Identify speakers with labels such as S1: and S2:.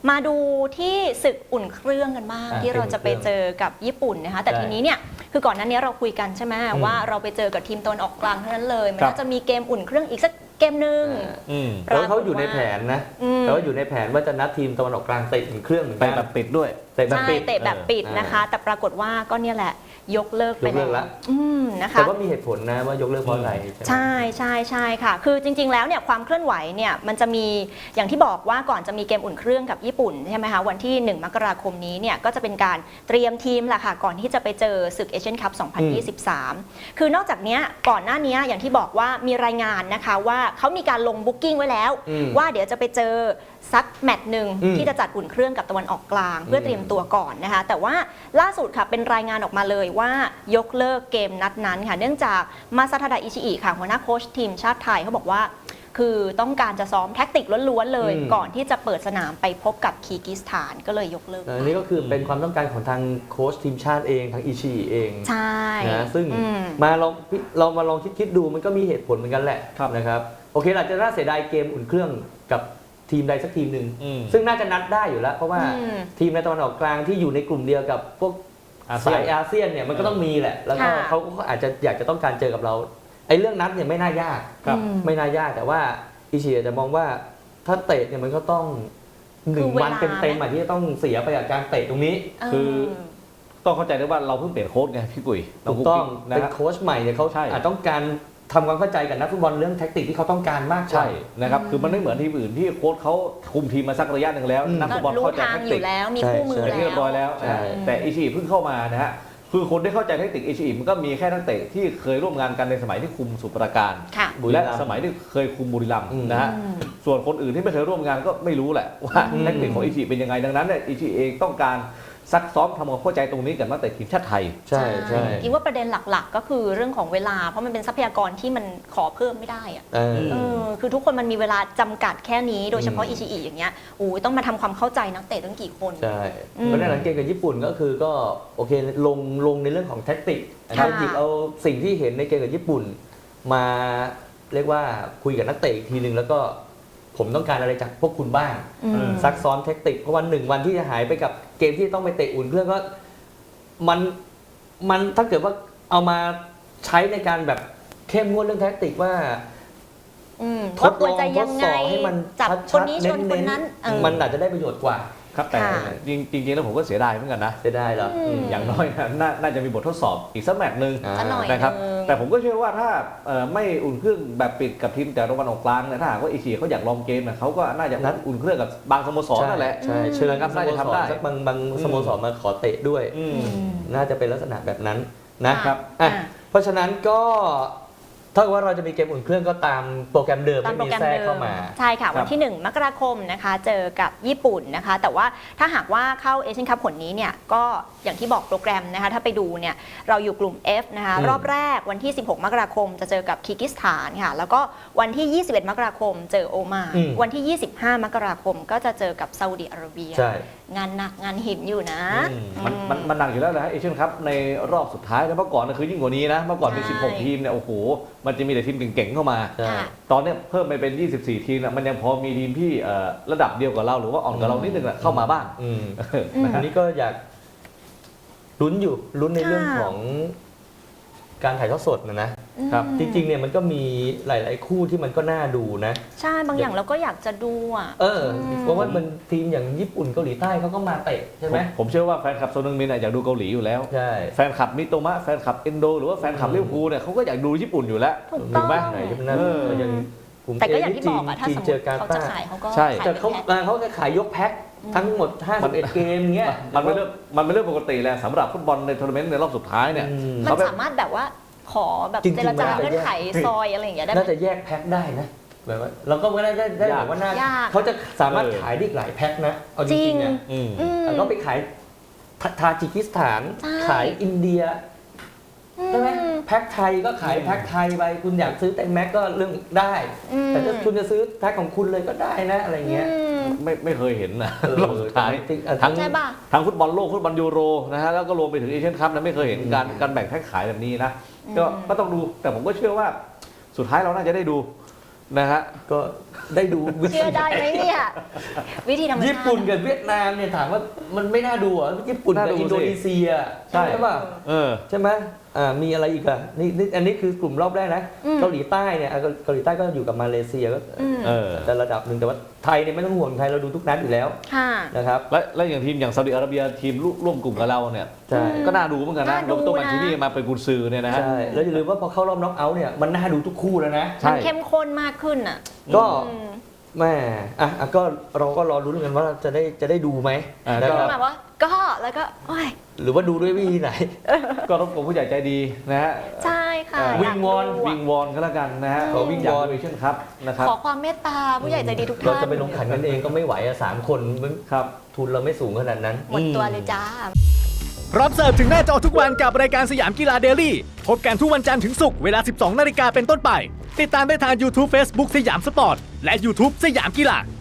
S1: มาดูที่ศึกอุ่นเครื่องกันบ้างที่เราจะไปเจอกับญี่ปุ่นนะคะแต่ทีนี้เนี่ยคือก่อนหน้านี้เราคุยกันใช่ไหมว่าเราไปเจอกับทีมตะวันออกกลางเท่านั้นเลยมันน่าจะมีเกมอุ่นเครื่องอีกสักเกมหนึ่ง
S2: แล้วเขาอยู่ในแผนนะแต่ว่าอยู่ในแผนว่าจะนัดทีมตะวันออกกลางเตะอุ่นเครื่องเหมือนกัน
S3: แบบปิดด้วย
S1: เตะแบบปิดนะคะแต่ปรากฏว่าก็เนี่ยแหละยกเลิกไปแล้วนะคะ
S2: แต่ว่ามีเหตุผลนะว่ายกเลิกเพราะอะไร
S1: ใช่ค่ะคือจริงๆแล้วเนี่ยความเคลื่อนไหวเนี่ยมันจะมีอย่างที่บอกว่าก่อนจะมีเกมอุ่นเครื่องกับญี่ปุ่นใช่ไหมคะวันที่1 มกราคมนี้เนี่ยก็จะเป็นการเตรียมทีมแหละค่ะก่อนที่จะไปเจอศึกเอเชียนคัพ 2023 คือนอกจากนี้ก่อนหน้านี้อย่างที่บอกว่ามีรายงานนะคะว่าเขามีการลงบุ๊กิ้งไว้แล้วว่าเดี๋ยวจะไปเจอสักแมตช์หนึ่งที่จะจัดอุ่นเครื่องกับตะวันออกกลางเพื่อเตรียมตัวก่อนนะคะแต่ว่าล่าสุดค่ะเป็นรายงานออกมาเลยว่ายกเลิกเกมนัดนั้นค่ะเนื่องจากมาซาทาดะอิชิอิค่ะหัวหน้าโค้ชทีมชาติไทยเขาบอกว่าคือต้องการจะซ้อมแท็กติกล้วนๆเลยก่อนที่จะเปิดสนามไปพบกับคีร์กิสถานก็เลยยกเลิก
S2: อันนี้ก็คือเป็นความต้องการของทางโค้ชทีมชาติเองทางอิชิอิเอง
S1: ใช่
S2: นะซึ่งเรามาลองคิดดูมันก็มีเหตุผลเหมือนกันแหละนะครับโอเคอาจจะน่าเสียดายเกมอุ่นเครื่องกับทีมใดสักทีมหนึ่งซึ่งน่าจะนัดได้อยู่แล้วเพราะว่าทีมในตะวันออกกลางที่อยู่ในกลุ่มเดียวกับพวกสายอาเซียนเนี่ยมันก็ต้องมีแหละแล้วก็เขาก็อาจจะอยากจะต้องการเจอกับเราไอ้เรื่องนัดเนี่ยไม่น่ายากไม่น่ายากแต่ว่าอิชิจะมองว่าถ้าเตะเนี่ยมันก็ต้อง1 วันเต็มๆที่จะต้องเสียไปกับการเตะตรงนี้
S3: คือต้องเข้าใจด้วยว่าเราเพิ่งเปลี่ยนโค้ชไงพี่กุ้ย
S2: ถูกต้องเป็นโค้ชใหม่เนี่ยเขาอาจต้องการทำความเข้าใจกับนักฟุตบอลเรื่องแท็กติกที่เขาต้องการมาก
S3: ใช่นะครับคือมันไม่เหมือนทีมอื่นที่โค้ชเขาคุมทีมมาสักระยะหนึ่งแล้วนักฟุตบอลเข้าใจแท็กติก
S1: แล้วมีคู่มือแล้ว
S3: เรียบร้อยแล้วแต่อิชิเพิ่งเข้ามานะฮะคือคนที่เข้าใจแท็กติกอิชิมันก็มีแค่นักเตะที่เคยร่วมงานกันในสมัยที่คุมสมุทรปราการและสมัยที่เคยคุมบุรีรัมย์นะฮะส่วนคนอื่นที่ไม่เคยร่วมงานก็ไม่รู้แหละว่าแท็กติกของอิชิเป็นยังไงดังนั้นเนี่ยอิชิเองต้องการซักซ้อมทำความเข้าใจตรงนี้กับนักเตะทีมชาติไทย
S2: ใช่
S1: คิดว่าประเด็นหลักๆก็คือเรื่องของเวลาเพราะมันเป็นทรัพยากรที่มันขอเพิ่มไม่ได้อะคือทุกคนมันมีเวลาจำกัดแค่นี้โดยเฉพาะอิชิอิอย่างเงี้ยต้องมาทำความเข้าใจนักเตะตั้งกี่คน
S2: ใช่เพราะในหลังเกมกับญี่ปุ่นก็คือก็โอเคลงในเรื่องของแท็กติกเราหยิบเอาสิ่งที่เห็นในเกมกับญี่ปุ่นมาเรียกว่าคุยกับนักเตะอีกทีนึงแล้วก็ผมต้องการอะไรจากพวกคุณบ้างซักซ้อมเทคนิคเพราะวัน1 วันที่จะหายไปกับเกมที่ต้องไปเตะอุ่นเครื่องก็มันถ้าเกิดว่าเอามาใช้ในการแบบเข้มงวดเรื่องแทคนิคว่า
S1: ทดลองทดสอบให้มันจับคนนี้ชนคนนั้น
S2: มันอาจจะได้ประโยชน์กว่า
S3: ครับแต่จริงๆแล้วผมก็เสียดายเหมือนกันนะ
S2: เสียดายเหรอ
S3: อย่างน้อยน่าจะมีบททดสอบอีกสักแมตช์นึงนะครับแต่ผมก็เชื่อว่าถ้าไม่อุ่นเครื่องแบบปิดกับทีมแต่ตะวันออกกลางเนี่ยถ้าหากว่าอิชิเขาอยากลองเกมเนี่ยเขาก็น่าจะนัดอุ่นเครื่องกับบางสโมสรนั่นแหละ
S2: ใช่เชิญครับน่าจะทำได้สักบางสโมสรมาขอเตะด้วยน่าจะเป็นลักษณะแบบนั้นนะครับเพราะฉะนั้นก็ถ้าว่าเราจะมีเกมอุ่นเครื่องก็ตามโปรแกรมเดิมไม่มีแทรกเข้ามา
S1: ใช่ค่ะวันที่1 มกราคมนะคะเจอกับญี่ปุ่นนะคะแต่ว่าถ้าหากว่าเข้าเอเชียนคัพผลนี้เนี่ยก็อย่างที่บอกโปรแกรมนะคะถ้าไปดูเนี่ยเราอยู่กลุ่ม F นะคะรอบแรกวันที่16 มกราคมจะเจอกับคีร์กิสถานค่ะแล้วก็วันที่21 มกราคมเจอโอมานวันที่25 มกราคมก็จะเจอกับซาอุดิอาระเบียงานหนักงานหินอยู่นะ
S3: มันหนักอยู่แล้วนะเอเชียนคัพในรอบสุดท้ายแล้วเมื่อก่อนคือยิ่งกว่านี้นะเมื่อก่อนมี16 ทีมเนี่ยโอ้โหมันจะมีแต่ทีมเก่งๆเข้ามาตอนนี้เพิ่มไปเป็น24 ทีมมันยังพอมีทีมที่ระดับเดียวกับเราหรือว่าอ่อนกับเรานิดนึงเข้ามาบ้าง
S2: อันนี้ก็อยากลุ้นในเรื่องของการถ่ายทอดสดนะครับจริงๆเนี่ยมันก็มีหลายๆคู่ที่มันก็น่าดูนะ
S1: ใช่บางอย่างเราก็อยากจะดูอ่ะ
S2: เพราะว่ามันทีมอย่างญี่ปุ่นเกาหลีใต้เขาก็มาเตะใช่ไหม
S3: ผมเชื่อว่าแฟนคลับโซนึงมินอยากดูเกาหลีอยู่แล้ว
S2: ใช่
S3: แฟนคลับมิโตมะแฟนคลับเอนโดหรือว่าแฟนคลับลิเวอร์พูลเนี่ยเขาก็อยากดูญี่ปุ่นอยู่แล้ว
S1: ถูกไหมแต่ก็อย่างที่บอกอะถ้าสมมติเขาจะขายเขาก็
S2: ใช่แต่เขาจะขายยกแพ็คทั้งหมด51 เกมเงี้ย
S3: มันเป็นเรื่องปกติแหละสำหรับฟุตบอลในทัวร์นาเมนต์ในรอบสุดท้ายเนี่ย
S1: มันสามารถแบบว่าขอแบบเจรจาเงื่อนไขซอยอะไรอย่างเงี้ยได้
S2: น่าจะแยกแพ็คได้นะแบบว่าเราก็ไม่ได้แบบว่าน่าเขาจะสามารถขายได้หลายแพ็คนะเอาจริงๆเนี่ยก็ไปขายทาจิกิสถานขายอินเดียใช่ไหมแพ็คไทยก็ขายแพ็คไทยไปคุณอยากซื้อแตงแม็กก็เรื่องได้แต่ถ้าคุณจะซื้อแพ็คของคุณเลยก็ได้นะอะไรเงี้ย
S3: ไม่เคยเห็นนะรอบสุดท้ายทั้งฟุตบอลโลกฟุตบอลยูโรนะฮะแล้วก็รวมไปถึงเอเชียนคัพนะไม่เคยเห็นการแบ่งแพ็คขายแบบนี้นะก็ต้องดูแต่ผมก็เชื่อว่าสุดท้ายเราน่าจะได้ดูนะฮะ
S2: ก็ได้ดูวิธี
S1: เชื่อได้ไหมเนี่ยวิธีธรรมชาติ
S2: ญี่ปุ่นกับเวียดนามเนี่ยถามว่ามันไม่น่าดูเหรอญี่ปุ่นกับ
S3: น่าดูสิ
S2: อินโดนีเซีย
S3: ใช่
S2: ป่ะ ใช่ไหมมีอะไรอีกอ่ะนี่อันนี้คือกลุ่มรอบแรกนะ เกาหลีใต้เนี่ยเกาหลีใต้ก็อยู่กับมาเลเซียก็แต่ระดับหนึ่งแต่ว่าไทยเนี่ยไม่ต้องห่วงไทยเราดูทุกนัดอยู่แล้ว
S1: ค่ะ
S2: นะครับ
S3: และอย่างทีมอย่างซาอุดิอาระเบียทีมร่วมกลุ่มกับเราเนี่ย
S2: ใช่
S3: ก็น่าดูเหมือนกันนะ
S1: น่าดู
S3: โรเบโต
S1: นะ
S3: มันชินี่มาเป็นกุนซือเนี่ยนะฮะ
S2: ใช่แล้วอย่าลืมว่าพอเข้ารอบน็อกเอาท์เนี่ยมันน่าดูทุกคู่แล้วนะ
S3: ใช่
S1: มันเข้มข้นมากขึ้นอ่ะ
S2: ก็
S1: อืม
S2: แม่ก็เราก็รอรุ้นกันว่าจะได้ดูไหม
S3: ก็
S2: นะครับ
S1: แบบว่าก็แล้วก็โอ้ย
S2: หรือว่าดูด้วยวิธีไหน
S3: ก็รบกวนผู้ใหญ่ใจดีนะฮะ
S1: ใช่ค่ะ
S2: วิงวอน
S1: ยากดู
S3: วิงวอนก็แล้วกันนะฮะ
S2: ขอวิงวอน
S3: เอเชียนครับนะครับ
S1: ขอความเมตตาผู้ใหญ่ใจดีทุก
S2: เรา
S1: ท่าน
S2: จะไปลงขันกันเองก็ไม่ไหวอะ3 คนมัน
S3: ครับ
S2: ทุนเราไม่สูงขนาดนั้น
S1: หมดตัวเลยจ้า
S4: พร้อมเสิร์ฟถึงหน้าจอทุกวันกับรายการสยามกีฬาเดลี่พบกันทุกวันจันทร์ถึงศุกร์เวลา 12 นาฬิกาเป็นต้นไป ติดตามได้ทาง YouTube Facebook สยามสปอร์ต และ YouTube สยามกีฬา